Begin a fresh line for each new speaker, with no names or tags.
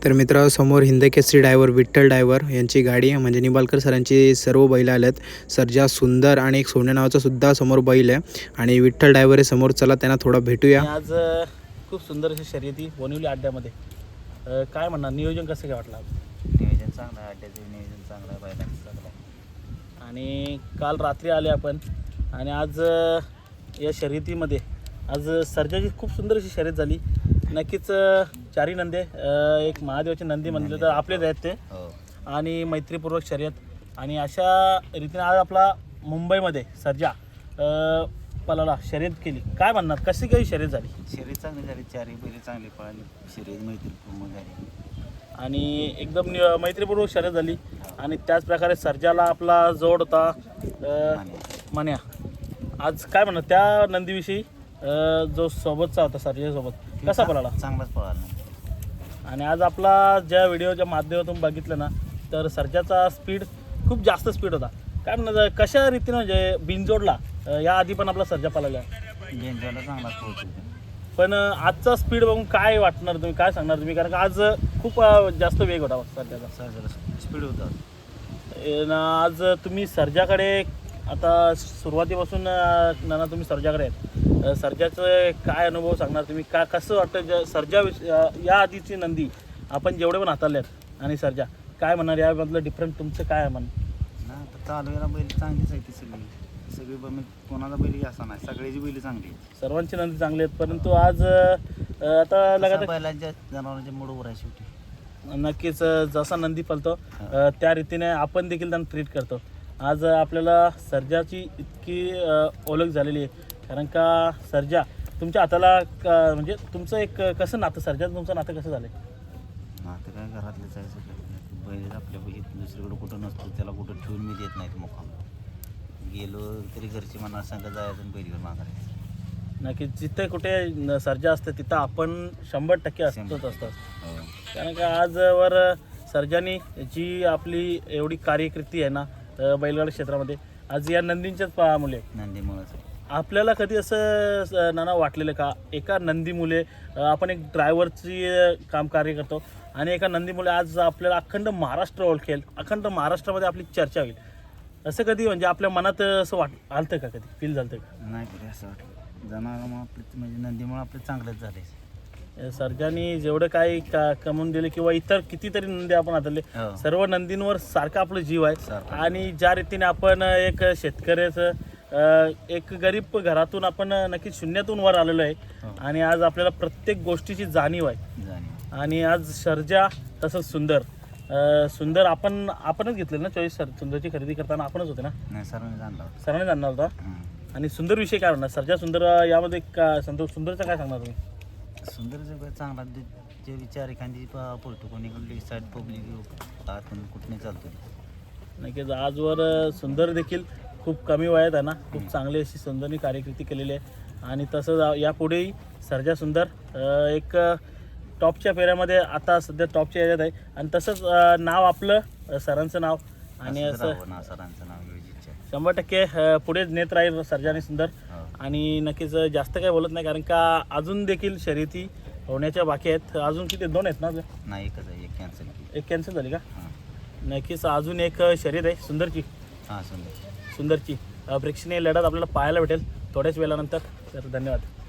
तर मित्र समोर हिंदकेसरी ड्रायव्हर विठ्ठल ड्रायव्हर यांची गाडी आहे, म्हणजे निंबाळकर सरांची सर्व बैल आलेत. सर्जा सुंदर आणि एक सोन्या नावाचा सुद्धा समोर बैल आहे आणि विठ्ठल ड्रायव्हर आहे समोर. चला त्यांना थोडा भेटूया.
आज खूप सुंदर अशी शर्यती बोनिवली अड्ड्यामध्ये. काय म्हणणार, नियोजन कसं काय वाटलं?
नियोजन चांगलं आहे, अड्ड्याचं नियोजन चांगलं आहे, बैलांचं चांगलं आहे.
आणि काल रात्री आले आपण आणि आज या शर्यतीमध्ये आज सर्जाची खूप सुंदर अशी शर्यत झाली. नक्कीच चारी नंदे, एक महादेवाचे नंदी म्हणले तर आपलेच आहेत ते, आणि मैत्रीपूर्वक शर्यत. आणि अशा रीतीने आज आपला मुंबईमध्ये सर्जा पलाला शर्यत केली. काय म्हणणार, कशी काही शर्यत झाली?
शर्यत चांगली झाली, चारही बैल चांगली पळाली, शर्यत मैत्रीपूर्ण झाली
आणि एकदम मैत्रीपूर्वक शर्यत झाली. आणि त्याच प्रकारे सर्जाला आपला जोड होता मान्या. आज काय म्हणणार त्या नंदीविषयी, जो सोबतचा होता सर्जासोबत, कसा पळाला?
चांगलाच पळाला.
आणि आज आपला ज्या व्हिडिओच्या माध्यमातून बघितलं ना, तर सर्जाचा स्पीड खूप जास्त स्पीड होता. काय म्हणणार, कशा रीतीनं म्हणजे बिनजोडला या आधी पण आपला सर्जा पळाला,
गेंजवाला चांगलाच पळतो.
पण आजचा स्पीड बघून काय वाटणार, तुम्ही काय सांगणार तुम्ही? कारण का आज खूप जास्त वेग होता सर्जाचा.
सर्जाला स्पीड होता.
आज तुम्ही सर्जाकडे आता सुरुवातीपासून नाना तुम्ही सर्जाकडे आहेत, सर्जाचं काय अनुभव सांगणार तुम्ही? का कसं वाटतं सर्जा या आधीची नंदी आपण जेवढे पण हाताळले आहेत आणि सर्जा, काय म्हणणार यामधलं डिफरंट तुमचं काय म्हण?
ना आता चालवायला बैल चांगलीच आहे ती सगळी कोणाला बैल असा नाही, सगळ्याची बैल चांगली आहेत,
सर्वांची नंदी चांगली आहेत. परंतु आज आता लगातार
बैलांच्या जनावरांच्या मूड उभं आहे शेवटी.
नक्कीच जसा नंदी पळतो त्या रीतीने आपण देखील त्यांना ट्रीट करतो. आज आपल्याला सर्जाची इतकी ओळख झालेली आहे, कारण का सर्जा तुमच्या हाताला म्हणजे तुमचं एक कसं नातं, सर्जाचं तुमचं नातं कसं झालं?
नातं काय घरातलेच आहे सगळं. बैल आपल्या दुसरीकडे कुठं नसतो, त्याला कुठं ठेवून मी देत नाहीत मुखाम. गेलो तरी घरची मना संग जायचं आणि बैल घेऊन मागायचं.
नक्कीच जिथे कुठे सर्जा असते तिथं आपण 100% असतोच असतात. कारण का आजवर सर्जानी जी आपली एवढी कार्यकृती आहे ना बैलगाडी क्षेत्रामध्ये, आज या नंदींच्याच मुले,
नंदीमुळेच
आपल्याला कधी असं नाना वाटलेलं का एका नंदीमुळे आपण एक ड्रायव्हरची काम कार्य करतो आणि एका नंदीमुळे आज आपल्याला अखंड महाराष्ट्र ओळखेल, अखंड महाराष्ट्रामध्ये आपली चर्चा होईल, असं कधी म्हणजे आपल्या मनात असं आलतं का, कधी फील झालं का?
नाही कधी असं वाटलं. जनावरांमुळे आपले म्हणजे नंदीमुळे आपले चांगलेच झाले.
सर्जानी जेवढं काही कमवून दिले किंवा इतर कितीतरी नंदी आपण हाताळले, सर्व नंदींवर सारखा आपलं जीव आहे. आणि ज्या रीतीने आपण एक शेतकऱ्याचं एक गरीब घरातून आपण नक्कीच शून्यातून वर आलेलो आहे आणि आज आपल्याला प्रत्येक गोष्टीची जाणीव आहे. आणि आज सर्जा तसंच सुंदर आपणच घेतलेलं ना चॉईस. सुंदरची खरेदी करताना आपणच होते ना?
नाही,
सरांनी जाणणार होता. आणि सुंदर विषय काय म्हणणार, सर्जा सुंदर यामध्ये सुंदरचं काय सांगणार तुम्ही?
सुंदर चांगला जे विचार एखादी पळतो, कोणी साईड पब्लिक आतून कुठे चालतो.
नक्कीच आजवर सुंदर देखील खूप कमी वयात आहे ना, खूप चांगली अशी सुंदरनी कार्यकृती केलेली आहे. आणि तसंच यापुढेही सर्जा सुंदर एक टॉपच्या फेऱ्यामध्ये आता सध्या टॉपच्या याच्यात आहे. आणि तसंच नाव आपलं सरांचं नाव आणि असं
सरांचं नाव
100% पुढे नेत राहील सर्जा आणि सुंदर. आणि नक्कीच जास्त काही बोलत नाही, कारण का अजून देखील शर्यती होण्याच्या बाकी आहेत. अजून किती, 2 आहेत ना?
नाही, एकच आहे, एक
कॅन्सल झाली का? नक्कीच अजून एक शर्यत आहे सुंदरची. सुंदरची प्रेक्षणीय लढत आपल्याला पाहायला भेटेल थोड्याच वेळानंतर. तर धन्यवाद.